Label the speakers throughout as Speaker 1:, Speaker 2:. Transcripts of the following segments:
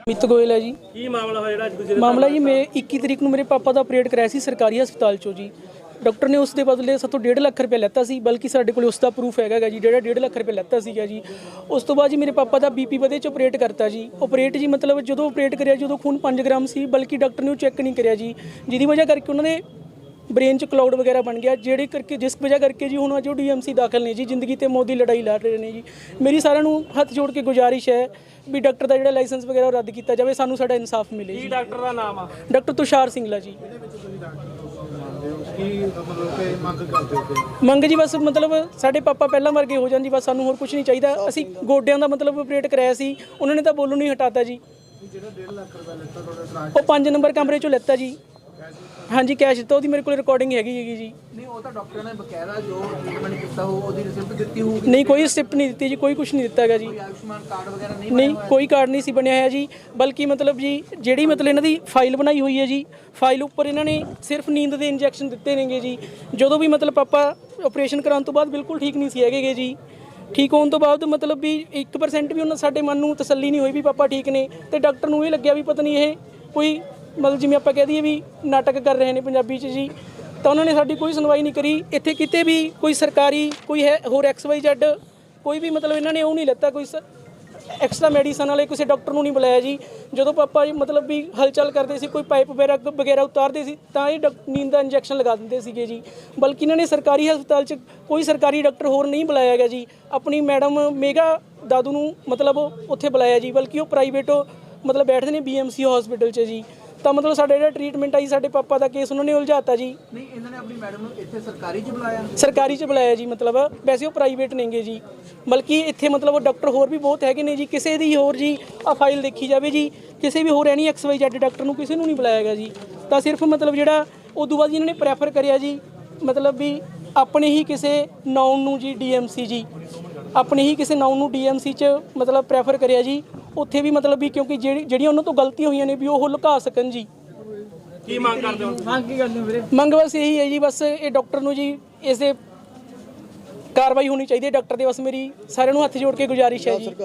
Speaker 1: ਮਿੱਤ ਗੋਇਲ है जी।
Speaker 2: ਕੀ ਮਾਮਲਾ ਹੋਇਆ ਜਿਹੜਾ ਅੱਜ ਤੁਸੀਂ
Speaker 1: मामला जी मैं 21 तरीक ਨੂੰ ਮੇਰੇ ਪਾਪਾ ਦਾ ਆਪਰੇਟ ਕਰਾਇਆ ਸੀ ਸਰਕਾਰੀ ਹਸਪਤਾਲ ਚੋਂ ਜੀ। ਡਾਕਟਰ ਨੇ ਉਸ ਦੇ ਬਦਲੇ ਸਾਤੋਂ 1.5 ਲੱਖ ਰੁਪਏ ਲੈਤਾ ਸੀ, ਬਲਕਿ ਸਾਡੇ ਕੋਲ ਉਸ ਦਾ ਪ੍ਰੂਫ ਹੈਗਾ ਜੀ, ਜਿਹੜਾ 1.5 ਲੱਖ ਰੁਪਏ ਲੈਤਾ ਸੀਗਾ ਜੀ। ਉਸ ਤੋਂ ਬਾਅਦ ਜੀ ਮੇਰੇ ਪਾਪਾ ਦਾ ਬੀਪੀ ਵਧੇ ਚ ਆਪਰੇਟ ਕਰਤਾ ਜੀ। ਆਪਰੇਟ ਜੀ ਮਤਲਬ ਜਦੋਂ ਆਪਰੇਟ ਕਰਿਆ ਜਦੋਂ ਖੂਨ 5 ਗ੍ਰਾਮ ਸੀ, ਬਲਕਿ ਡਾਕਟਰ ਨੇ ਉਹ ਚੈੱਕ ਨਹੀਂ ਕਰਿਆ ਜੀ, ਜਿਹਦੀ ਵਜ੍ਹਾ ਕਰਕੇ ਉਹਨਾਂ ਨੇ ब्रेन च क्लाउड वगैरह बन गया, जेड़े करके जिस वजह करके जी हुण जो DMC दाखिल ने जी, जिंदगी ते मौत दी लड़ाई लड़ रहे ने जी। मेरी सारिਆਂ ਨੂੰ हथ जोड़ के गुजारिश है भी डॉक्टर का जो लाइसेंस वगैरह रद्द किया जाए, सानू साडा इंसाफ मिले जी।
Speaker 2: ਡਾਕਟਰ ਦਾ ਨਾਮ ਆ
Speaker 1: डॉक्टर तुषार सिंगला जी। ਮੰਗ ਜੀ ਬਸ ਮਤਲਬ ਸਾਡੇ ਪਾਪਾ ਪਹਿਲਾਂ ਵਰਗੇ ਹੋ ਜਾਣ ਜੀ, ਬਸ ਸਾਨੂੰ ਹੋਰ ਕੁਝ ਨਹੀਂ ਚਾਹੀਦਾ। ਅਸੀਂ ਗੋਡਿਆਂ ਦਾ ਮਤਲਬ ਆਪਰੇਟ ਕਰਾਇਆ ਸੀ, ਉਹਨਾਂ ਨੇ ਤਾਂ ਬੋਲੂ ਨਹੀਂ ਹਟਾਤਾ ਜੀ। ਜਿਹੜਾ 1.5 ਲੱਖ ਰੁਪਏ ਲੈਤਾ ਤੁਹਾਡੇ ਸਰਾਜ ਉਹ 5 ਨੰਬਰ ਕਮਰੇ ਚੋਂ ਲੈਤਾ ਜੀ। ਹਾਂਜੀ ਕੈਸ਼ ਦਿੱਤਾ, ਉਹਦੀ ਮੇਰੇ ਕੋਲ ਰਿਕਾਰਡਿੰਗ ਹੈਗੀ ਜੀ।
Speaker 3: ਨਹੀਂ ਉਹ ਤਾਂ ਡਾਕਟਰ ਨੇ ਬਕਾਇਦਾ ਜੋ ਟ੍ਰੀਟਮੈਂਟ ਕੀਤਾ ਹੋ ਉਹਦੀ ਰਿਸਿਪਟ ਦਿੱਤੀ ਹੋਊਗੀ।
Speaker 1: ਨਹੀਂ ਕੋਈ ਰਿਸਿਪਟ ਨਹੀਂ ਦਿੱਤੀ ਜੀ, ਕੋਈ ਕੁਝ ਨਹੀਂ ਦਿੱਤਾ ਹੈਗਾ ਜੀ।
Speaker 3: ਆਯੁਸ਼ਮਾਨ ਕਾਰਡ ਵਗੈਰਹ
Speaker 1: ਨਹੀਂ ਕੋਈ ਕਾਰਡ ਨਹੀਂ ਸੀ ਬਣਿਆ ਹੋਇਆ ਜੀ, ਬਲਕਿ ਮਤਲਬ ਜੀ ਜਿਹੜੀ ਮਤਲਬ ਇਹਨਾਂ ਦੀ ਫਾਈਲ ਬਣਾਈ ਹੋਈ ਹੈ ਜੀ, ਫਾਈਲ ਉੱਪਰ ਇਹਨਾਂ ਨੇ ਸਿਰਫ ਨੀਂਦ ਦੇ ਇੰਜੈਕਸ਼ਨ ਦਿੱਤੇ ਨੇਗੇ ਜੀ। ਜਦੋਂ ਵੀ ਮਤਲਬ ਪਾਪਾ ਆਪਰੇਸ਼ਨ ਕਰਾਉਣ ਤੋਂ ਬਾਅਦ ਬਿਲਕੁਲ ਠੀਕ ਨਹੀਂ ਸੀ ਹੈਗੇ ਜੀ। ਠੀਕ ਹੋਣ ਤੋਂ ਬਾਅਦ ਮਤਲਬ ਵੀ 1% ਵੀ ਉਹਨਾਂ ਸਾਡੇ ਮਨ ਨੂੰ ਤਸੱਲੀ ਨਹੀਂ ਹੋਈ ਵੀ ਪਾਪਾ ਠੀਕ ਨੇ, ਤੇ ਡਾਕਟਰ ਨੂੰ ਇਹ ਲੱਗਿਆ ਵੀ ਪਤਾ ਨਹੀਂ ਇਹ ਕੋਈ ਮਤਲਬ ਜਿਵੇਂ ਆਪਾਂ ਕਹਿ ਦਈਏ ਵੀ ਨਾਟਕ ਕਰ ਰਹੇ ਨੇ ਪੰਜਾਬੀ 'ਚ ਜੀ। ਤਾਂ ਉਹਨਾਂ ਨੇ ਸਾਡੀ ਕੋਈ ਸੁਣਵਾਈ ਨਹੀਂ ਕਰੀ। ਇੱਥੇ ਕਿਤੇ ਵੀ ਕੋਈ ਸਰਕਾਰੀ ਕੋਈ ਹੈ ਹੋਰ XYZ ਕੋਈ ਵੀ ਮਤਲਬ ਇਹਨਾਂ ਨੇ ਉਹ ਨਹੀਂ ਲੈਤਾ, ਕੋਈ ਐਕਸਟਰਾ ਮੈਡੀਸਨ ਵਾਲੇ ਕਿਸੇ ਡਾਕਟਰ ਨੂੰ ਨਹੀਂ ਬੁਲਾਇਆ ਜੀ। ਜਦੋਂ ਪਾਪਾ ਜੀ ਮਤਲਬ ਵੀ ਹਲਚਲ ਕਰਦੇ ਸੀ, ਕੋਈ ਪਾਈਪ ਵਗੈਰਾ ਉਤਾਰਦੇ ਸੀ, ਤਾਂ ਇਹ ਨੀਂਦ ਦਾ ਇੰਜੈਕਸ਼ਨ ਲਗਾ ਦਿੰਦੇ ਸੀਗੇ ਜੀ। ਬਲਕਿ ਇਹਨਾਂ ਨੇ ਸਰਕਾਰੀ ਹਸਪਤਾਲ 'ਚ ਕੋਈ ਸਰਕਾਰੀ ਡਾਕਟਰ ਹੋਰ ਨਹੀਂ ਬੁਲਾਇਆ ਗਿਆ ਜੀ। ਆਪਣੀ ਮੈਡਮ ਮੇਗਾ ਦਾਦੂ ਨੂੰ ਮਤਲਬ ਉੱਥੇ ਬੁਲਾਇਆ ਜੀ, ਬਲਕਿ ਉਹ ਪ੍ਰਾਈਵੇਟ ਮਤਲਬ ਬੈਠਦੇ ਨੇ BMC ਹਸਪੀਟਲ 'ਚ ਜੀ। ਤਾਂ ਮਤਲਬ ਸਾਡਾ ਜਿਹੜਾ ਟ੍ਰੀਟਮੈਂਟ ਆਈ ਸਾਡੇ ਪਾਪਾ ਦਾ ਕੇਸ ਉਹਨਾਂ ਨੇ ਉਲਝਾਤਾ ਜੀ।
Speaker 3: ਨਹੀਂ ਇਹਨਾਂ ਨੇ ਆਪਣੀ ਮੈਡਮ ਨੂੰ ਇੱਥੇ ਸਰਕਾਰੀ 'ਚ ਬੁਲਾਇਆ?
Speaker 1: ਸਰਕਾਰੀ 'ਚ ਬੁਲਾਇਆ ਜੀ, ਮਤਲਬ ਵੈਸੇ ਉਹ ਪ੍ਰਾਈਵੇਟ ਨੇਗੇ ਜੀ। ਬਲਕਿ ਇੱਥੇ ਮਤਲਬ ਡਾਕਟਰ ਹੋਰ ਵੀ ਬਹੁਤ ਹੈਗੇ ਨੇ ਜੀ। ਕਿਸੇ ਦੀ ਹੋਰ ਜੀ ਆ ਫਾਈਲ ਦੇਖੀ ਜਾਵੇ ਜੀ, ਕਿਸੇ ਵੀ ਹੋਰ ਐਨੀ XYZ ਡਾਕਟਰ ਨੂੰ ਕਿਸੇ ਨੂੰ ਨਹੀਂ ਬੁਲਾਇਆ ਗਿਆ ਜੀ। ਤਾਂ ਸਿਰਫ ਮਤਲਬ ਜਿਹੜਾ ਉਦੋਂ ਬਾਅਦ ਜੀ ਇਹਨਾਂ ਨੇ ਪ੍ਰੈਫਰ ਕਰਿਆ ਜੀ ਮਤਲਬ ਵੀ ਆਪਣੇ ਹੀ ਕਿਸੇ ਨਾਉਨ ਨੂੰ ਜੀ DMC ਜੀ, ਆਪਣੇ ਹੀ ਕਿਸੇ ਨਾਉਨ ਨੂੰ DMC 'ਚ ਮਤਲਬ ਪ੍ਰੈਫਰ ਕਰਿਆ ਜੀ। ਉੱਥੇ ਵੀ ਮਤਲਬ ਵੀ ਕਿਉਂਕਿ ਜਿਹੜੀਆਂ ਉਹਨਾਂ ਤੋਂ ਗਲਤੀਆਂ ਹੋਈਆਂ ਨੇ ਵੀ ਉਹ ਲੁਕਾ ਸਕਣ ਜੀ।
Speaker 2: ਕੀ ਮੰਗ ਕਰਦੇ ਹੋ?
Speaker 1: ਮੰਗ ਕੀ ਕਰਦੇ ਹੋ ਵੀਰੇ? ਮੰਗ ਬਸ ਇਹੀ ਹੈ ਜੀ, ਬਸ ਇਹ ਡਾਕਟਰ ਨੂੰ ਜੀ ਇਸ ਦੇ ਕਾਰਵਾਈ ਹੋਣੀ ਚਾਹੀਦੀ ਹੈ ਡਾਕਟਰ ਦੇ। ਬਸ ਮੇਰੀ ਸਾਰਿਆਂ ਨੂੰ ਹੱਥ ਜੋੜ ਕੇ ਗੁਜ਼ਾਰਿਸ਼ ਹੈ ਜੀ।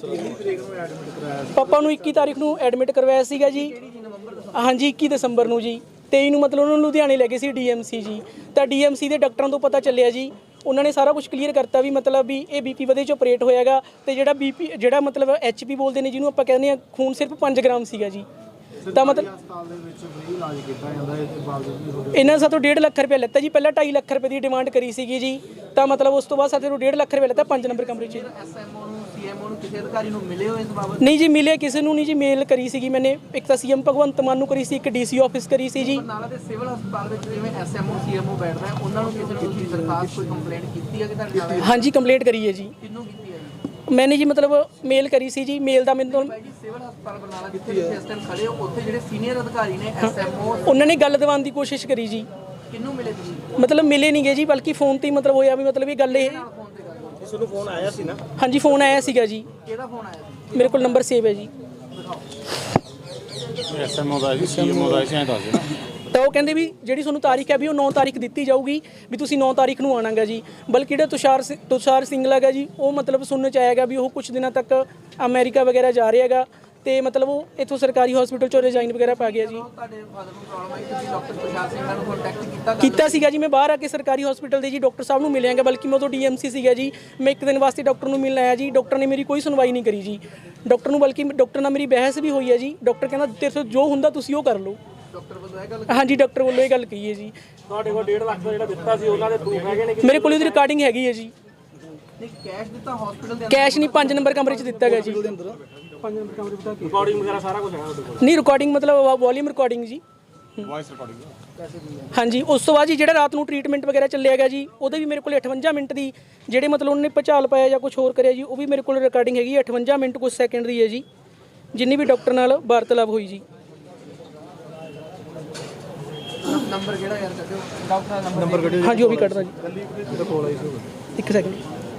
Speaker 1: ਪਾਪਾ ਨੂੰ 21 ਤਾਰੀਖ ਨੂੰ ਐਡਮਿਟ ਕਰਵਾਇਆ ਸੀਗਾ ਜੀ। ਹਾਂਜੀ 21 ਦਸੰਬਰ ਨੂੰ ਜੀ। 23 ਨੂੰ ਮਤਲਬ ਉਹਨਾਂ ਨੂੰ ਲੁਧਿਆਣੇ ਲੈ ਗਏ ਸੀ DMC ਜੀ। ਤਾਂ DMC ਦੇ ਡਾਕਟਰਾਂ ਤੋਂ ਪਤਾ ਚੱਲਿਆ ਜੀ, ਉਹਨਾਂ ਨੇ ਸਾਰਾ ਕੁਝ ਕਲੀਅਰ ਕਰਤਾ ਵੀ ਮਤਲਬ ਵੀ ਇਹ BP ਵਧੇ 'ਚ ਆਪਰੇਟ ਹੋਇਆਗਾ, ਤੇ ਜਿਹੜਾ BP ਜਿਹੜਾ ਮਤਲਬ HP ਬੋਲਦੇ ਨੇ ਜਿਹਨੂੰ ਆਪਾਂ ਕਹਿੰਦੇ ਆ, ਖੂਨ ਸਿਰਫ 5 ਗ੍ਰਾਮ ਸੀਗਾ ਜੀ। ਤਾਂ ਮਤਲਬ ਇਹਨਾਂ ਨੇ ਸਾਤੋਂ 1.5 ਲੱਖ ਰੁਪਏ ਲੈਤਾ ਜੀ। ਪਹਿਲਾਂ 2.5 ਲੱਖ ਰੁਪਏ ਦੀ ਡਿਮਾਂਡ ਕਰੀ ਸੀਗੀ ਜੀ। ਤਾਂ ਮਤਲਬ ਉਸ ਤੋਂ ਬਾਅਦ ਸਾਡੇ ਨੂੰ 1.5 ਲੱਖ ਰੁਪਏ ਲੈਤਾ 5 ਨੰਬਰ ਕਮਰੇ 'ਚ।
Speaker 3: SMO ਨੂੰ CMO ਨੂੰ ਕਿਸੇ ਅਧਿਕਾਰੀ ਨੂੰ ਮਿਲੇ ਹੋ ਇਸ ਬਾਬਤ?
Speaker 1: ਨਹੀਂ ਜੀ ਮਿਲੇ ਕਿਸੇ ਨੂੰ ਨਹੀਂ ਜੀ। ਮੇਲ ਕਰੀ ਸੀਗੀ ਮੈਨੇ, ਇੱਕ ਤਾਂ CM ਭਗਵੰਤ ਮਾਨ ਨੂੰ ਕਰੀ ਸੀ, ਇੱਕ DC ਆਫਿਸ ਕਰੀ ਸੀ ਜੀ।
Speaker 3: ਬਰਨਾਲਾ ਦੇ ਸਿਵਲ ਹਸਪਤਾਲ ਵਿੱਚ ਜਿਵੇਂ SMO CMO ਬੈਠਦਾ ਹੈ, ਉਹਨਾਂ ਨੂੰ ਕਿਸੇ ਨੂੰ ਤੁਸੀਂ ਦਰਖਾਸਤ ਕੋਈ ਕੰਪਲੇਂਟ ਕੀਤੀ ਹੈ ਕਿ ਤੁਹਾਡੇ ਨਾਲ?
Speaker 1: ਹਾਂਜੀ ਕੰਪਲੇਂਟ ਕਰੀ ਹੈ ਜੀ।
Speaker 3: ਕਿਹਨੂੰ ਕੀਤੀ ਹੈ ਜੀ?
Speaker 1: मैंने जी मतलब मेल करी सी जी। मेल का मैंने
Speaker 3: ਭਾਈ ਜੀ ਸਿਵਲ ਹਸਪਤਾਲ ਬਰਨਾਲਾ ਜਿੱਥੇ ਤੁਸੀਂ ਇਸ ਟਾਈਮ ਖੜੇ ਹੋ, ਉੱਥੇ ਜਿਹੜੇ ਸੀਨੀਅਰ ਅਧਿਕਾਰੀ ਨੇ SMO
Speaker 1: उन्होंने गल दवाने की कोशिश करी जी।
Speaker 3: ਕਿਹਨੂੰ ਮਿਲੇ ਤੁਸੀਂ?
Speaker 1: मतलब मिले नहीं गए जी, बल्कि फोन ते मतलब होया भी मतलब ये गल ये।
Speaker 3: ਫੋਨ ਤੇ ਗੱਲ ਹੋਈ?
Speaker 2: ਤੁਹਾਨੂੰ ਫੋਨ ਆਇਆ ਸੀ ਨਾ?
Speaker 1: हाँ जी फोन आया सीगा जी,
Speaker 3: ਕਿਹਦਾ ਫੋਨ ਆਇਆ ਸੀ?
Speaker 1: मेरे को नंबर सेव है जी।
Speaker 4: SMO ਦਾ ਜੀ, CMO ਦਾ ਜਾਂ ਦੱਸ ਦੇਣਾ।
Speaker 1: ਤਾਂ ਉਹ ਕਹਿੰਦੇ ਵੀ ਜਿਹੜੀ ਤੁਹਾਨੂੰ ਤਾਰੀਖ ਹੈ ਵੀ ਉਹ 9 ਤਾਰੀਖ ਦਿੱਤੀ ਜਾਊਗੀ, ਵੀ ਤੁਸੀਂ 9 ਤਾਰੀਖ ਨੂੰ ਆਣਾਗਾ ਜੀ। ਬਲਕਿ ਜਿਹੜਾ ਤੁਸ਼ਾਰ ਸਿੰਘਲਾ ਹੈਗਾ ਜੀ, ਉਹ ਮਤਲਬ ਸੁਣਨ 'ਚ ਆਏਗਾ ਵੀ ਉਹ ਕੁਝ ਦਿਨਾਂ ਤੱਕ ਅਮਰੀਕਾ ਵਗੈਰਾ ਜਾ ਰਿਹਾ ਹੈਗਾ, ਤੇ ਮਤਲਬ ਉਹ ਇੱਥੋਂ ਸਰਕਾਰੀ ਹਸਪੀਟਲ 'ਚੋਂ ਰਿਜ਼ਾਈਨ ਵਗੈਰਾ ਪਾ ਗਿਆ ਜੀ।
Speaker 3: ਤੁਹਾਡੇ ਫਾਦਰ ਨੂੰ ਪ੍ਰੋਬਲਮ ਆਈ, ਤੁਸੀਂ ਡਾਕਟਰ ਤੁਸ਼ਾਰ ਸਿੰਘ ਨੂੰ ਕੰਟੈਕਟ
Speaker 1: ਕੀਤਾ ਸੀਗਾ ਜੀ। ਮੈਂ ਬਾਹਰ ਆ ਕੇ ਸਰਕਾਰੀ ਹਸਪੀਟਲ ਦੇ ਜੀ ਡਾਕਟਰ ਸਾਹਿਬ ਨੂੰ ਮਿਲਿਆਗਾ, ਬਲਕਿ ਮੈਂ ਉਦੋਂ DMC ਸੀਗਾ ਜੀ। ਮੈਂ ਇੱਕ ਦਿਨ ਵਾਸਤੇ ਡਾਕਟਰ ਨੂੰ ਮਿਲਣ ਆਇਆ ਜੀ। ਡਾਕਟਰ ਨੇ ਮੇਰੀ ਕੋਈ ਸੁਣਵਾਈ ਨਹੀਂ ਕਰੀ ਜੀ। ਡਾਕਟਰ ਨੂੰ ਬਲਕਿ ਡਾਕਟਰ ਨਾਲ ਮੇਰੀ ਬਹਿਸ ਵੀ ਹੋਈ ਹੈ ਜੀ। ਡਾਕਟਰ ਕਹਿੰਦਾ ਤੇਰੇ ਤੋਂ ਜੋ ਹੁੰਦਾ ਤੁਸੀਂ ਉਹ ਕਰ ਲਓ।
Speaker 3: ਡਾਕਟਰ ਵੱਲੋਂ ਇਹ ਗੱਲ?
Speaker 1: ਹਾਂਜੀ ਡਾਕਟਰ ਵੱਲੋਂ ਇਹ ਗੱਲ ਕਹੀ ਹੈ ਜੀ।
Speaker 2: ਤੁਹਾਡੇ ਕੋਲ 1.5 ਲੱਖ ਦਾ ਜਿਹੜਾ ਦਿੱਤਾ ਸੀ ਉਹਨਾਂ ਦੇ ਪ੍ਰੂਫ ਹੈਗੇ ਨੇ?
Speaker 1: ਮੇਰੇ ਕੋਲ ਉਹਦੀ ਰਿਕਾਰਡਿੰਗ ਹੈਗੀ ਹੈ ਜੀ।
Speaker 3: ਨਹੀਂ ਕੈਸ਼ ਦਿੱਤਾ ਹਸਪੀਟਲ ਦੇ?
Speaker 1: ਕੈਸ਼ ਨਹੀਂ, 5 ਨੰਬਰ ਕਮਰੇ 'ਚ ਦਿੱਤਾ ਗਿਆ ਜੀ।
Speaker 2: 5 ਨੰਬਰ ਕਮਰੇ ਦਾ ਰਿਕਾਰਡਿੰਗ ਵਗੈਰਾ ਸਾਰਾ ਕੁਝ ਹੈ ਉਹਦੇ ਕੋਲ?
Speaker 1: ਨਹੀਂ ਰਿਕਾਰਡਿੰਗ ਮਤਲਬ ਵੋਲੀਅਮ ਰਿਕਾਰਡਿੰਗ ਜੀ।
Speaker 4: Voice recording.
Speaker 1: ਹਾਂਜੀ ਉਸ ਤੋਂ ਬਾਅਦ ਜੀ ਜਿਹੜਾ ਰਾਤ ਨੂੰ ਟ੍ਰੀਟਮੈਂਟ ਵਗੈਰਾ ਚੱਲਿਆ ਗਿਆ ਜੀ, ਉਹਦੇ ਵੀ ਮੇਰੇ ਕੋਲ 58 ਮਿੰਟ ਦੀ ਜਿਹੜੇ ਮਤਲਬ ਉਹਨੇ ਭੁਚਾਲ ਪਾਇਆ ਜਾਂ ਕੁਝ ਹੋਰ ਕਰਿਆ ਜੀ, ਉਹ ਵੀ ਮੇਰੇ ਕੋਲ ਰਿਕਾਰਡਿੰਗ ਹੈਗੀ 58 ਮਿੰਟ ਕੁਝ ਸੈਕਿੰਡ ਦੀ ਹੈ ਜੀ, ਜਿੰਨੀ ਵੀ ਡਾਕਟਰ ਨਾਲ ਵਾਰਤਾਲਾਪ ਹੋਈ ਜੀ।
Speaker 3: ਨੰਬਰ ਕਿਹੜਾ ਯਾਰ ਕੱਢਿਓ ਡਾਕਟਰ ਦਾ ਨੰਬਰ ਕੱਢਿਓ।
Speaker 1: ਹਾਂਜੀ ਉਹ ਵੀ ਕੱਢਦਾ ਜੀ, ਇੱਕ ਸੈਕਿੰਡ।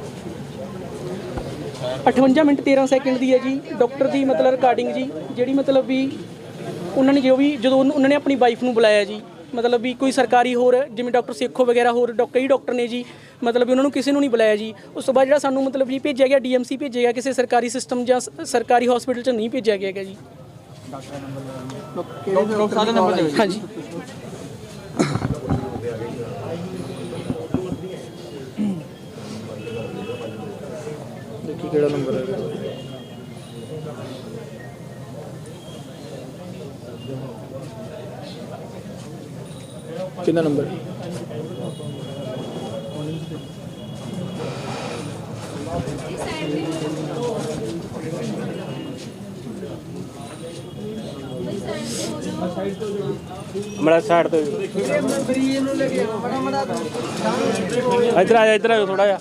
Speaker 1: 58 ਮਿੰਟ 13 ਸੈਕਿੰਡ ਦੀ ਹੈ ਜੀ ਡਾਕਟਰ ਦੀ ਮਤਲਬ ਰਿਕਾਰਡਿੰਗ ਜੀ, ਜਿਹੜੀ ਮਤਲਬ ਵੀ ਉਹਨਾਂ ਨੇ ਜਦੋਂ ਉਹਨਾਂ ਨੇ ਆਪਣੀ ਵਾਈਫ ਨੂੰ ਬੁਲਾਇਆ ਜੀ, ਮਤਲਬ ਵੀ ਕੋਈ ਸਰਕਾਰੀ ਹੋਰ ਜਿਵੇਂ ਡਾਕਟਰ ਸੇਖੋ ਵਗੈਰਾ ਹੋਰ ਕਈ ਡਾਕਟਰ ਨੇ ਜੀ, ਮਤਲਬ ਵੀ ਉਹਨਾਂ ਨੂੰ ਕਿਸੇ ਨੂੰ ਨਹੀਂ ਬੁਲਾਇਆ ਜੀ। ਉਸ ਤੋਂ ਬਾਅਦ ਜਿਹੜਾ ਸਾਨੂੰ ਮਤਲਬ ਜੀ ਭੇਜਿਆ ਗਿਆ DMC ਭੇਜਿਆ ਗਿਆ, ਕਿਸੇ ਸਰਕਾਰੀ ਸਿਸਟਮ ਜਾਂ ਸਰਕਾਰੀ ਹਸਪੀਟਲ 'ਚ ਨਹੀਂ ਭੇਜਿਆ ਗਿਆ ਜੀ।
Speaker 3: ਡਾਕਟਰ ਸਾਹਿਬ ਦਾ ਨੰਬਰ ਦਿਓ।
Speaker 1: ਹਾਂਜੀ
Speaker 2: ਦੇਖੀ ਕਿਹੜਾ ਨੰਬਰ ਹੈ। ਕਿੰਨਾ ਨੰਬਰ? ਹਮਾਰਾ ਸਾਈਡ ਤੋਂ ਇੱਧਰ ਆ ਜਾ, ਇੱਧਰ ਆਓ ਥੋੜਾ ਜਿਹਾ।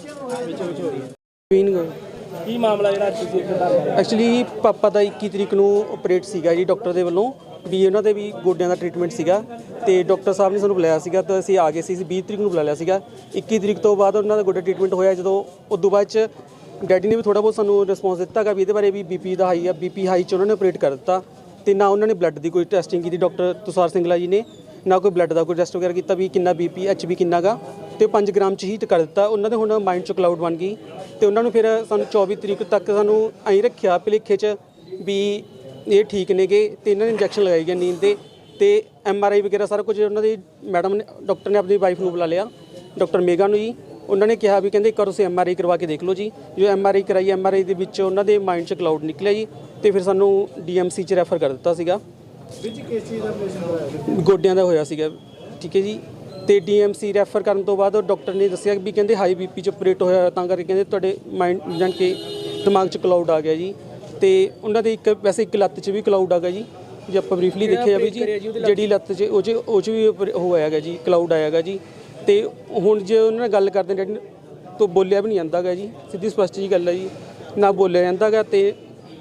Speaker 2: ਕੀ ਮਾਮਲਾ ਜਿਹੜਾ ਤੁਸੀਂ
Speaker 5: ਐਕਚੁਅਲੀ ਪਾਪਾ ਦਾ 21 ਤਰੀਕ ਨੂੰ ਆਪਰੇਟ ਸੀਗਾ ਜੀ ਡਾਕਟਰ ਦੇ ਵੱਲੋਂ, ਵੀ ਉਹਨਾਂ ਦੇ ਵੀ ਗੋਡਿਆਂ ਦਾ ਟ੍ਰੀਟਮੈਂਟ ਸੀਗਾ ਤੇ ਡਾਕਟਰ ਸਾਹਿਬ ਨੇ ਸਾਨੂੰ ਬੁਲਾਇਆ ਸੀਗਾ ਤਾਂ ਅਸੀਂ ਆ ਗਏ ਸੀ। 20 ਤਰੀਕ ਨੂੰ ਬੁਲਾ ਲਿਆ ਸੀਗਾ। 21 ਤਰੀਕ ਤੋਂ ਬਾਅਦ ਉਹਨਾਂ ਦਾ ਗੋਡਾ ਟ੍ਰੀਟਮੈਂਟ ਹੋਇਆ। ਜਦੋਂ ਉਦੋਂ ਬਾਅਦ ਚ ਡੈਡੀ ਨੇ ਵੀ ਥੋੜਾ ਬਹੁਤ ਸਾਨੂੰ ਰਿਸਪੌਂਸ ਦਿੱਤਾ ਗਾ ਵੀ ਇਹਦੇ ਬਾਰੇ ਵੀ ਬੀਪੀ ਦਾ ਹਾਈ ਆ, ਬੀਪੀ ਹਾਈ ਚ ਉਹਨਾਂ ਨੇ ਆਪਰੇਟ ਕਰ ਦਿੱਤਾ ਤੇ ਨਾ ਉਹਨਾਂ ਨੇ ਬਲੱਡ ਦੀ ਕੋਈ ਟੈਸਟਿੰਗ ਕੀਤੀ। ਡਾਕਟਰ ਤੁਸ਼ਾਰ ਸਿੰਗਲਾ ਜੀ ਨੇ ਨਾ ਕੋਈ ਬਲੱਡ ਦਾ ਕੋਈ ਟੈਸਟ ਵਗੈਰਾ ਕੀਤਾ ਵੀ ਕਿੰਨਾ ਬੀਪੀ ਐਚਬੀ ਕਿੰਨਾ ਗਾ, ਤੇ 5 ਗ੍ਰਾਮ ਚ ਹੀ ਕਰ ਦਿੱਤਾ। ਉਹਨਾਂ ਦੇ ਹੁਣ ਮਾਈਂਡ ਚ ਕਲਾਊਡ ਬਣ ਗਈ ਤੇ ਉਹਨਾਂ ਨੂੰ ਫਿਰ ਸਾਨੂੰ 24 ਤਰੀਕ ਤੱਕ ਸਾਨੂੰ ਐਂ ਰੱਖਿਆ ਭੁਲੇਖੇ ਚ ਵੀ ਇਹ ਠੀਕ ਨੇਗੇ ਤੇ ਇਹਨਾਂ ਨੇ ਇੰਜੈਕਸ਼ਨ ਲਗਾਈ ਗਿਆ ਨੀਂਦ ਦੇ ਤੇ MRI ਵਗੈਰਾ ਸਾਰਾ ਕੁਝ ਉਹਨਾਂ ਦੀ ਮੈਡਮ ਨੇ ਡਾਕਟਰ ਨੇ ਆਪਣੀ ਵਾਈਫ ਨੂੰ ਬੁਲਾ ਲਿਆ, ਡਾਕਟਰ ਮੇਗਾ ਨੂੰ ਜੀ। ਉਹਨਾਂ ਨੇ ਕਿਹਾ ਵੀ ਕਹਿੰਦੇ ਇੱਕ ਵਾਰ ਤੁਸੀਂ MRI ਕਰਵਾ ਕੇ ਦੇਖ ਲਓ ਜੀ। ਜੋ MRI ਕਰਾਈ, MRI ਦੇ ਵਿੱਚ ਉਹਨਾਂ ਦੇ ਮਾਈਂਡ 'ਚ ਕਲਾਊਡ ਨਿਕਲਿਆ ਜੀ ਤੇ ਫਿਰ ਸਾਨੂੰ DMC 'ਚ ਰੈਫਰ ਕਰ ਦਿੱਤਾ ਸੀਗਾ।
Speaker 2: ਵਿੱਚ ਕਿਸ ਚੀਜ਼ ਦਾ ਆਪਰੇਸ਼ਨ ਹੋਇਆ?
Speaker 5: ਗੋਡਿਆਂ ਦਾ ਹੋਇਆ ਸੀਗਾ, ਠੀਕ ਹੈ ਜੀ। ਤੇ DMC ਰੈਫਰ ਕਰਨ ਤੋਂ ਬਾਅਦ ਡਾਕਟਰ ਨੇ ਦੱਸਿਆ ਵੀ ਕਹਿੰਦੇ ਹਾਈ BP 'ਚ ਆਪਰੇਟ ਹੋਇਆ, ਤਾਂ ਕਰਕੇ ਕਹਿੰਦੇ ਤੁਹਾਡੇ ਮਾਈਂਡ ਜਾਨ ਕੇ ਦਿਮਾਗ 'ਚ ਕਲਾਊਡ ਆ ਗਿਆ ਜੀ। ਤੇ ਉਹਨਾਂ ਦੇ ਇੱਕ ਵੈਸੇ ਇੱਕ ਲੱਤ 'ਚ ਵੀ ਕਲਾਊਡ ਆ ਗਿਆ ਜੀ। ਜੇ ਆਪਾਂ ਬਰੀਫਲੀ ਦੇਖਿਆ ਜਾਵੇ ਜੀ, ਜਿਹੜੀ ਲੱਤ 'ਚ ਉਹ 'ਚ ਵੀ ਉਹ ਆਇਆਗਾ ਜੀ, ਕਲਾਊਡ ਆਇਆਗਾ ਜੀ। ਤੇ ਹੁਣ ਜੇ ਉਹਨਾਂ ਨਾਲ ਗੱਲ ਕਰਦੇ ਡੈਡੀ ਤੋਂ ਬੋਲਿਆ ਵੀ ਨਹੀਂ ਜਾਂਦਾ ਗਾ ਜੀ, ਸਿੱਧੀ ਸਪਸ਼ਟ ਜੀ ਗੱਲ ਹੈ ਜੀ, ਨਾ ਬੋਲਿਆ ਜਾਂਦਾ ਗਾ। ਤੇ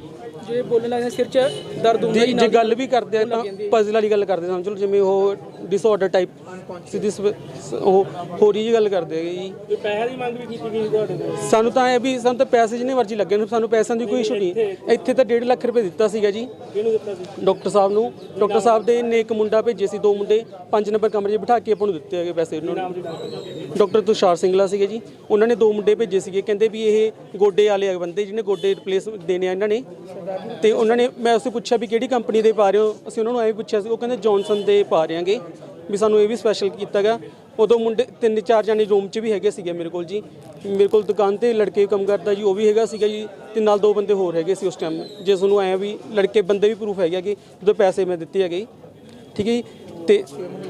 Speaker 1: ਜੇ ਬੋਲਣ ਲੱਗਦੇ ਸਿਰ 'ਚ ਦਰਦ ਹੁੰਦਾ ਜੀ,
Speaker 5: ਜੇ ਗੱਲ ਵੀ ਕਰਦੇ ਆ ਤਾਂ ਪਜ਼ਲ ਵਾਲੀ ਗੱਲ ਕਰਦੇ ਸਮਝ ਲਓ, ਜਿਵੇਂ ਉਹ ਡਿਸਆਰਡਰ ਟਾਈਪ ਸਿੱਧੀ ਉਹ ਹੋਰ ਹੀ ਗੱਲ ਕਰਦੇ ਹੈਗੇ ਜੀ।
Speaker 2: ਤੇ ਪੈਸੇ ਦੀ ਮੰਗ ਵੀ ਕੀਤੀ ਗਈ ਤੁਹਾਡੇ ਕੋਲ?
Speaker 5: ਸਾਨੂੰ ਤਾਂ ਇਹ ਵੀ ਸਾਨੂੰ ਤਾਂ ਪੈਸੇ ਜਿੰਨੇ ਮਰਜ਼ੀ ਲੱਗੇ ਨੇ, ਸਾਨੂੰ ਪੈਸਿਆਂ ਦੀ ਕੋਈ ਇਸ਼ੂ ਨਹੀਂ। ਇੱਥੇ ਤਾਂ 1.5 ਲੱਖ ਰੁਪਏ ਦਿੱਤਾ ਸੀਗਾ ਜੀ।
Speaker 2: ਕਿਹਨੂੰ ਦਿੱਤਾ ਸੀ?
Speaker 5: ਡਾਕਟਰ ਸਾਹਿਬ ਨੂੰ। ਡਾਕਟਰ ਸਾਹਿਬ ਦੇ ਨੇ ਇੱਕ ਮੁੰਡਾ ਭੇਜੇ ਸੀ, 2 ਮੁੰਡੇ 5 ਨੰਬਰ ਕਮਰੇ 'ਚ ਬਿਠਾ ਕੇ ਆਪਾਂ ਨੂੰ ਦਿੱਤੇ ਹੈਗੇ ਪੈਸੇ। ਉਹਨਾਂ ਨੂੰ ਡਾਕਟਰ ਤੁਸ਼ਾਰ ਸਿੰਗਲਾ ਸੀਗੇ ਜੀ, ਉਹਨਾਂ ਨੇ 2 ਮੁੰਡੇ ਭੇਜੇ ਸੀਗੇ। ਕਹਿੰਦੇ ਵੀ ਇਹ ਗੋਡੇ ਵਾਲੇ ਬੰਦੇ ਜਿਹਨੇ ਗੋਡੇ ਰਿਪਲੇਸ ਦੇਣੇ ਆ ਇਹਨਾਂ ਨੇ। ਤੇ ਉਹਨਾਂ ਨੇ ਮੈਂ ਉਸੇ ਪੁੱਛਿਆ ਵੀ ਕਿਹੜੀ ਕੰਪਨੀ ਦੇ ਪਾ ਰਹੇ ਹੋ, ਅਸੀਂ ਉਹਨਾਂ ਨੂੰ ਐਂ ਪੁੱਛਿਆ ਸੀ, ਉਹ ਕਹਿੰਦੇ ਜੌਨਸਨ ਦੇ ਪਾ ਰਹੇ ਆਂਗੇ ਵੀ ਸਾਨੂੰ ਇਹ ਵੀ ਸਪੈਸ਼ਲ ਕੀਤਾ ਗਾ। ਉਦੋਂ ਮੁੰਡੇ 3-4 ਜਾਣੇ ਰੂਮ 'ਚ ਵੀ ਹੈਗੇ ਸੀਗੇ ਮੇਰੇ ਕੋਲ ਜੀ। ਮੇਰੇ ਕੋਲ ਦੁਕਾਨ ਤੇ ਲੜਕੇ ਕੰਮ ਕਰਦਾ ਜੀ, ਉਹ ਵੀ ਹੈਗਾ ਸੀਗਾ ਜੀ, ਤੇ ਨਾਲ 2 ਬੰਦੇ ਹੋਰ ਹੈਗੇ ਸੀ ਉਸ ਟਾਈਮ। ਜੇ ਤੁਹਾਨੂੰ ਐਂ ਵੀ ਲੜਕੇ ਬੰਦੇ ਵੀ ਪ੍ਰੂਫ ਹੈਗੇ ਕਿ ਜਦੋਂ ਪੈਸੇ ਮੈਂ ਦਿੱਤੇ ਹੈਗੇ, ਠੀਕ ਹੈ ਜੀ। ਤੇ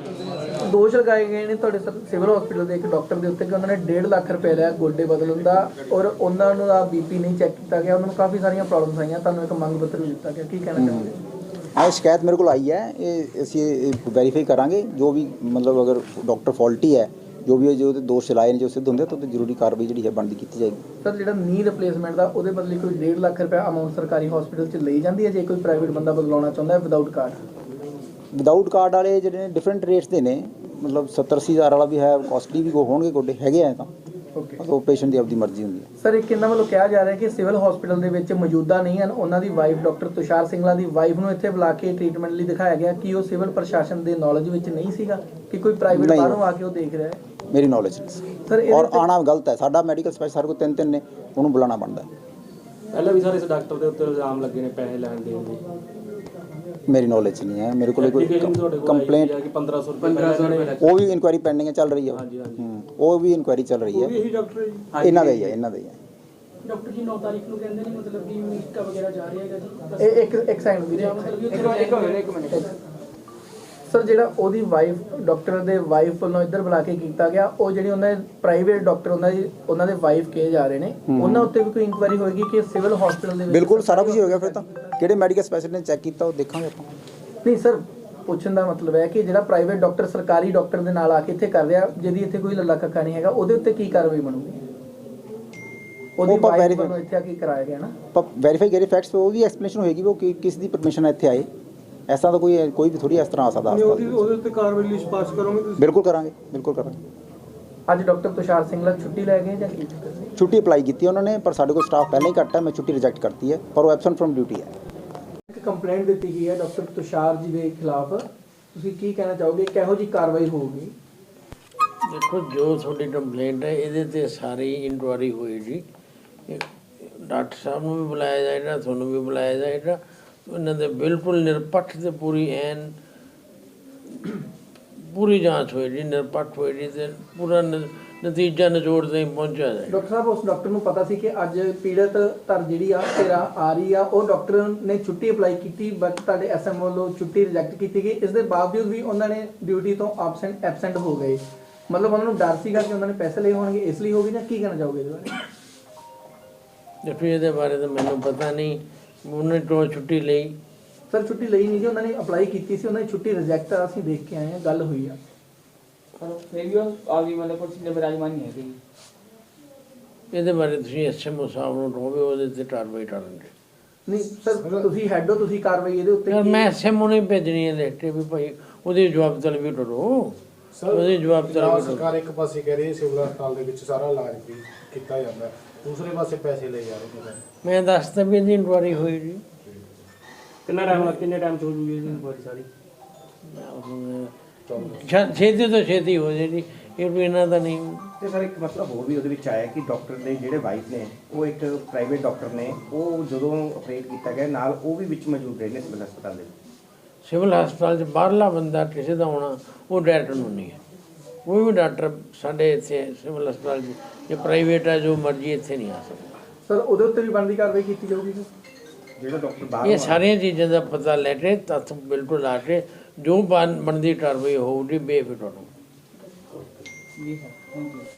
Speaker 3: ਦੋਸ਼ ਲਗਾਏ ਗਏ ਨੇ ਤੁਹਾਡੇ ਸਿਵਲ ਹਸਪੀਟਲ ਦੇ ਇੱਕ ਡਾਕਟਰ ਦੇ ਉੱਤੇ ਕਿ ਉਹਨਾਂ ਨੇ 1.5 ਲੱਖ ਰੁਪਏ ਲਿਆ ਗੋਡੇ ਬਦਲਣ ਦਾ, ਔਰ ਉਹਨਾਂ ਨੂੰ ਦਾ BP ਨਹੀਂ ਚੈੱਕ ਕੀਤਾ ਗਿਆ, ਉਹਨਾਂ ਨੂੰ ਕਾਫੀ ਸਾਰੀਆਂ ਪ੍ਰੋਬਲਮਸ ਆਈਆਂ, ਤੁਹਾਨੂੰ ਇੱਕ ਮੰਗ ਪੱਤਰ ਵੀ ਦਿੱਤਾ ਗਿਆ, ਕੀ ਕਹਿਣਾ ਚਾਹੁੰਦੇ?
Speaker 6: ਇਹ ਸ਼ਿਕਾਇਤ ਮੇਰੇ ਕੋਲ ਆਈ ਹੈ, ਇਹ ਅਸੀਂ ਵੈਰੀਫਾਈ ਕਰਾਂਗੇ। ਜੋ ਵੀ ਮਤਲਬ ਅਗਰ ਡਾਕਟਰ ਫਾਲਟੀ ਹੈ, ਜੋ ਵੀ ਜੋ ਦੋਸ਼ ਚਲਾਏ ਨੇ, ਜੋ ਸਿੱਧ ਹੁੰਦੇ ਤਾਂ ਜ਼ਰੂਰੀ ਕਾਰਵਾਈ ਜਿਹੜੀ ਹੈ ਬਣਦੀ ਕੀਤੀ ਜਾਏਗੀ।
Speaker 3: ਸਰ ਜਿਹੜਾ ਨੀ ਰਿਪਲੇਸਮੈਂਟ ਦਾ ਉਹਦੇ ਬਦਲੇ ਕੋਈ 1.5 ਲੱਖ ਰੁਪਏ ਅਮਾਉਂਟ ਸਰਕਾਰੀ ਹਸਪੀਟਲ 'ਚ ਲਈ ਜਾਂਦੀ ਹੈ ਜੇ ਕੋਈ ਪ੍ਰਾਈਵੇਟ ਬੰਦਾ ਬਦਲਾਉਣਾ ਚਾਹੁੰਦਾ ਹੈ ਵਿਦਆਊਟ ਕਾਰਡ?
Speaker 6: ਵਿਦਆਊਟ ਕਾਰਡ ਵਾਲੇ ਜਿਹੜੇ ਨੇ ਡਿਫਰੈਂਟ ਰੇਟਸ ਦੇ ਨੇ, ਮਤਲਬ 70-80 ਹਜ਼ਾਰ ਵਾਲਾ ਵੀ ਹੈ, ਕਾਸਟਲੀ ਵੀ ਹੋਣਗੇ ਗੋਡੇ ਹੈਗੇ ਆ ਤਾਂ।
Speaker 3: ਓਕੇ,
Speaker 6: ਉਹ ਪੇਸ਼ੈਂਟ ਦੀ ਆਪਦੀ ਮਰਜ਼ੀ ਹੁੰਦੀ ਹੈ।
Speaker 3: ਸਰ ਇੱਕ ਇਹਨਾਂ ਵੱਲੋਂ ਕਿਹਾ ਜਾ ਰਿਹਾ ਕਿ ਸਿਵਲ ਹਸਪੀਟਲ ਦੇ ਵਿੱਚ ਮੌਜੂਦਾ ਨਹੀਂ ਹਨ, ਉਹਨਾਂ ਦੀ ਵਾਈਫ ਡਾਕਟਰ ਤੁਸ਼ਾਰ ਸਿੰਗਲਾ ਦੀ ਵਾਈਫ ਨੂੰ ਇੱਥੇ ਬੁਲਾ ਕੇ ਟ੍ਰੀਟਮੈਂਟ ਲਈ ਦਿਖਾਇਆ ਗਿਆ। ਕਿ ਉਹ ਸਿਵਲ ਪ੍ਰਸ਼ਾਸਨ ਦੇ ਨੌਲੇਜ ਵਿੱਚ ਨਹੀਂ ਸੀਗਾ ਕਿ ਕੋਈ ਪ੍ਰਾਈਵੇਟ
Speaker 6: ਨਹੀਂ।
Speaker 3: ਬਾਹਰੋਂ ਆ ਕੇ ਉਹ ਦੇਖ ਰਿਹਾ ਹੈ?
Speaker 6: ਮੇਰੀ ਨੌਲੇਜ ਨਹੀਂ
Speaker 3: ਸਰ
Speaker 6: ਔਰ ਆਣਾ ਗਲਤ ਹੈ। ਸਾਡਾ ਮੈਡੀਕਲ ਸਪੈਸ਼ਲ ਸਾਡੇ ਕੋਲ 3-3 ਨੇ, ਉਹਨੂੰ ਬੁਲਾਉਣਾ ਬਣਦਾ ਹੈ।
Speaker 2: ਪਹਿਲਾਂ ਵੀ ਸਾਰੇ ਇਸ ਡਾਕਟਰ ਦੇ ਉੱਤੇ ਇਲਜ਼ਾਮ ਲੱਗੇ ਨੇ ਪੈਸੇ ਲੈਣ ਦੇਣ ਦੇ।
Speaker 6: ਮੇਰੀ ਨੌਲੇਜ ਨਹੀਂ ਹੈ, ਮੇਰੇ ਕੋਲ ਕੋਈ ਕੰਪਲੇਂਟ
Speaker 2: ਕਿ 1500 ਰੁਪਏ
Speaker 6: ਉਹ ਵੀ ਇਨਕੁਆਇਰੀ ਪੈਂਡਿੰਗ ਹੈ, ਚੱਲ ਰਹੀ ਹੈ। ਉਹ ਵੀ ਇਨਕੁਆਇਰੀ ਚੱਲ ਰਹੀ ਹੈ।
Speaker 2: ਇਹੀ ਡਾਕਟਰ ਹੈ ਜੀ?
Speaker 6: ਇਹਨਾਂ ਦਾ ਹੀ ਹੈ, ਇਹਨਾਂ ਦਾ ਹੀ ਹੈ।
Speaker 1: ਡਾਕਟਰ ਜੀ 9 ਤਾਰੀਖ ਨੂੰ ਕਹਿੰਦੇ ਨੇ ਮਤਲਬ ਕਿ ਅਮਰੀਕਾ ਵਗੈਰਾ ਜਾ ਰਿਹਾ ਹੈਗਾ ਜੀ।
Speaker 3: ਇਹ ਇੱਕ ਸੈਕਿੰਡ ਵੀਰੇ, ਇੱਕ ਮਿੰਟ। ਸਰ ਜਿਹੜਾ ਉਹਦੀ ਵਾਈਫ ਡਾਕਟਰ ਦੇ ਵਾਈਫ ਵੱਲੋਂ ਇੱਧਰ ਬੁਲਾ ਕੇ ਕੀਤਾ ਗਿਆ, ਉਹ ਜਿਹੜੀ ਉਹਨਾਂ ਦੇ ਪ੍ਰਾਈਵੇਟ ਡਾਕਟਰ ਉਹਨਾਂ ਦੇ ਵਾਈਫ ਕਹੇ ਜਾ ਰਹੇ ਨੇ, ਉਹਨਾਂ ਉੱਤੇ ਵੀ ਕੋਈ ਇਨਕੁਆਇਰੀ ਹੋਏਗੀ ਕਿ ਸਿਵਲ ਹਸਪੀਟਲ ਦੇ ਵਿੱਚ?
Speaker 6: ਬਿਲਕੁਲ ਸਾਰਾ ਕੁਝ ਹੋ ਗਿਆ। ਫਿਰ ਤਾਂ ਕਿਹੜੇ ਮੈਡੀਕਲ ਸਪੈਸ਼ਲਿਸਟ ਨੇ ਚੈੱਕ ਕੀਤਾ ਉਹ ਦੇਖਾਂਗੇ ਆਪਾਂ।
Speaker 3: ਨਹੀਂ ਸਰ, ਪੁੱਛਣ ਦਾ ਮਤਲਬ ਹੈ ਕਿ ਜਿਹੜਾ ਪ੍ਰਾਈਵੇਟ ਡਾਕਟਰ ਸਰਕਾਰੀ ਡਾਕਟਰ ਦੇ ਨਾਲ ਆ ਕੇ ਇੱਥੇ ਕਰ ਰਿਹਾ, ਜਿਹਦੀ ਇੱਥੇ ਕੋਈ ਲੱਲਾ ਕੱਕਾ ਨਹੀਂ ਹੈਗਾ, ਉਹਦੇ ਉੱਤੇ ਕੀ ਕਾਰਵਾਈ ਬਣੂਗੀ? ਉਹਦੀ ਵਾਈਫ ਵੱਲੋਂ ਇੱਥੇ ਆ ਕੇ ਕਰਾਇਆ ਗਿਆ ਨਾ,
Speaker 6: ਵੈਰੀਫਾਈ ਕਰੇ ਫੈਕਟਸ, ਉਹ ਵੀ ਐਕਸਪਲੇਨੇਸ਼ਨ ਹੋਏਗੀ ਉਹ ਕਿਸ ਦੀ ਪਰਮਿਸ਼ਨ ਹੈ ਇੱਥੇ ਆਏ। ਐਸਾ ਤਾਂ ਕੋਈ ਵੀ ਥੋੜੀ ਇਸ ਤਰ੍ਹਾਂ ਆ ਸਕਦਾ।
Speaker 2: ਉਹਦੇ ਉੱਤੇ ਕਾਰਵਾਈ ਲਈ ਸਿਫਾਰਿਸ਼ ਕਰੋਗੇ ਤੁਸੀਂ?
Speaker 6: ਬਿਲਕੁਲ ਕਰਾਂਗੇ, ਬਿਲਕੁਲ ਕਰਾਂਗੇ।
Speaker 3: ਅੱਜ ਡਾਕਟਰ ਤੁਸ਼ਾਰ ਸਿੰਗਲਾ ਛੁੱਟੀ ਲੈ ਗਏ ਜਾਂ ਕੀ?
Speaker 6: ਛੁੱਟੀ ਅਪਲਾਈ ਕੀਤੀ ਉਹਨਾਂ ਨੇ, ਪਰ ਸਾਡੇ ਕੋਲ ਸਟਾਫ ਪਹਿਲਾਂ ਹੀ ਘੱਟ ਹੈ, ਮੈਂ ਛੁੱਟੀ ਰਿਜੈਕਟ ਕਰਤੀ ਹੈ, ਪਰ ਉਹ ਐਬਸੈਂਟ ਫਰਮ ਡਿਊਟੀ ਹੈ।
Speaker 3: ਇੱਕ ਕੰਪਲੇਂਟ ਦਿੱਤੀ ਗਈ ਹੈ ਡਾਕਟਰ ਤੁਸ਼ਾਰ ਜੀ ਦੇ ਖਿਲਾਫ, ਤੁਸੀਂ ਕੀ ਕਹਿਣਾ ਚਾਹੋਗੇ, ਕਿਹੋ ਜੀ ਕਾਰਵਾਈ ਹੋਊਗੀ?
Speaker 7: ਦੇਖੋ, ਜੋ ਤੁਹਾਡੀ ਕੰਪਲੇਂਟ ਹੈ ਇਹਦੇ ਤੇ ਸਾਰੀ ਇਨਕੁਆਇਰੀ ਹੋਈ ਜੀ। ਡਾਕਟਰ ਸਾਹਿਬ ਨੂੰ ਵੀ ਬੁਲਾਇਆ ਜਾਏਗਾ, ਤੁਹਾਨੂੰ ਵੀ ਬੁਲਾਇਆ ਜਾਏਗਾ, ਉਹਨਾਂ ਦੇ ਬਿਲਕੁਲ ਨਿਰਪੱਖ ਤੇ ਪੂਰੀ ਐਨ ਪੂਰੀ ਜਾਂਚ ਹੋਈ ਜੀ, ਨਿਰਪੱਖ ਹੋਈ ਜੀ ਤੇ ਪੂਰਾ ਨਤੀਜਾ ਨਿਚੋੜ ਤੇ ਪਹੁੰਚਿਆ ਜਾਏ।
Speaker 3: ਡਾਕਟਰ ਸਾਹਿਬ ਉਸ ਡਾਕਟਰ ਨੂੰ ਪਤਾ ਸੀ ਕਿ ਅੱਜ ਪੀੜਤ ਧਰ ਜਿਹੜੀ ਆ ਤੇਰਾ ਆ ਰਹੀ ਆ, ਉਹ ਡਾਕਟਰ ਨੇ ਛੁੱਟੀ ਅਪਲਾਈ ਕੀਤੀ ਬਟ ਤੁਹਾਡੇ ਐਸਐਮ ਵੱਲੋਂ ਛੁੱਟੀ ਰਿਜੈਕਟ ਕੀਤੀ ਗਈ। ਇਸ ਦੇ ਬਾਵਜੂਦ ਵੀ ਉਹਨਾਂ ਨੇ ਡਿਊਟੀ ਤੋਂ ਐਬਸੈਂਟ ਹੋ ਗਏ। ਮਤਲਬ ਉਹਨਾਂ ਨੂੰ ਡਰ ਸੀਗਾ ਕਿ ਉਹਨਾਂ ਨੇ ਪੈਸੇ ਲਏ ਹੋਣਗੇ, ਇਸ ਲਈ ਹੋ ਗਈ, ਜਾਂ ਕੀ ਕਹਿਣਾ ਚਾਹੋਗੇ ਇਹਦੇ ਬਾਰੇ?
Speaker 7: ਦੇਖੋ ਇਹਦੇ ਬਾਰੇ ਤਾਂ ਮੈਨੂੰ ਪਤਾ ਨਹੀਂ, ਉਹਨੇ ਤੋਂ ਛੁੱਟੀ ਲਈ।
Speaker 3: ਸਰ ਛੁੱਟੀ ਲਈ ਨਹੀਂ ਜੀ, ਉਹਨਾਂ ਨੇ ਅਪਲਾਈ ਕੀਤੀ ਸੀ, ਉਹਨਾਂ ਦੀ ਛੁੱਟੀ ਰਿਜੈਕਟ ਆ, ਅਸੀਂ ਦੇਖ ਕੇ ਆਏ ਹਾਂ, ਗੱਲ ਹੋਈ ਆ।
Speaker 7: ਇਹਦੇ ਬਾਰੇ ਤੁਸੀਂ ਐਸਐਮਓ ਸਾਹਿਬ ਨੂੰ ਕਹੋਗੇ, ਉਹਦੇ ਤੇ ਕਾਰਵਾਈ ਕਰਨਗੇ।
Speaker 3: ਨਹੀਂ ਸਰ, ਤੁਸੀਂ ਹੈਡ ਹੋ, ਤੁਸੀਂ ਕਾਰਵਾਈ ਇਹਦੇ ਉੱਤੇ
Speaker 7: ਯਾਰ ਮੈਂ ਐਸਐਮਓ ਨੂੰ ਭੇਜਣੀ ਹੈ ਲਿਖ ਕੇ ਵੀ ਭਾਈ ਉਹਦੀ ਜਵਾਬ ਤਲਬੀ ਕਰੋ, ਉਹਦੀ ਜਵਾਬ ਤਲਬੀ ਕਰੋ।
Speaker 2: ਸਰਕਾਰ ਇੱਕ ਪਾਸੇ ਕਹਿ ਰਹੀ ਹੈ ਸਿਵਲ ਹਸਪਤਾਲ ਦੇ ਵਿੱਚ ਸਾਰਾ ਇਲਾਜ ਵੀ ਕੀਤਾ ਜਾਂਦਾ, ਦੂਸਰੇ ਪਾਸੇ ਪੈਸੇ ਲਏ ਜਾ ਰਹੇ ਨੇ।
Speaker 7: ਮੈਂ ਦੱਸਦਾ ਵੀ ਇਹਦੀ ਇਨਕੁਆਰੀ ਹੋਈ ਜੀ।
Speaker 2: ਕਿੰਨੇ ਟਾਈਮ ਚ ਹੋ ਜੂਗੀ ਇਹਦੀ ਇਨਕੁਆਰੀ ਸਾਰੀ?
Speaker 7: ਛੇਤੀ ਤੋਂ ਛੇਤੀ ਹੋ ਜੇ ਜੀ, ਇਹ ਵੀ ਇਹਨਾਂ ਦਾ ਨਹੀਂ।
Speaker 8: ਤੇ ਸਰ ਇੱਕ ਮਸਲਾ ਹੋਰ ਵੀ ਉਹਦੇ ਵਿੱਚ ਆਇਆ ਕਿ ਡਾਕਟਰ ਦੇ ਜਿਹੜੇ ਵਾਈਫ ਨੇ ਉਹ ਇੱਕ ਪ੍ਰਾਈਵੇਟ ਡਾਕਟਰ ਨੇ, ਉਹ ਜਦੋਂ ਆਪਰੇਟ ਕੀਤਾ ਗਿਆ ਨਾਲ ਉਹ ਵੀ ਵਿੱਚ ਮੌਜੂਦ ਰਹੇ ਨੇ ਸਿਵਲ ਹਸਪਤਾਲ ਦੇ ਵਿੱਚ।
Speaker 7: ਸਿਵਲ ਹਸਪਤਾਲ 'ਚ ਬਾਹਰਲਾ ਬੰਦਾ ਕਿਸੇ ਦਾ ਹੋਣਾ ਉਹ ਡਾਇਰੈਕਟਰ ਨੂੰ ਨਹੀਂ ਹੈ। ਕੋਈ ਵੀ ਡਾਕਟਰ ਸਾਡੇ ਇੱਥੇ ਸਿਵਲ ਹਸਪਤਾਲ 'ਚ ਜੇ ਪ੍ਰਾਈਵੇਟ ਹੈ ਜੋ ਮਰਜ਼ੀ ਇੱਥੇ ਨਹੀਂ ਆ ਸਕਦਾ।
Speaker 3: ਸਰ ਉਹਦੇ ਉੱਤੇ ਵੀ ਬਣਦੀ ਕਾਰਵਾਈ ਕੀਤੀ ਜਾਊਗੀ ਸਰ?
Speaker 8: ਜਿਹੜਾ ਡਾਕਟਰ ਬਾਹਰ
Speaker 7: ਇਹ ਸਾਰੀਆਂ ਚੀਜ਼ਾਂ ਦਾ ਪਤਾ ਲੈ ਕੇ ਤੱਥ ਬਿਲਕੁਲ ਲਾ ਕੇ ਜੋ ਬਣਦੀ ਕਾਰਵਾਈ ਹੋਊਗੀ ਬੇਫਿਕਰ ਰਹੋ।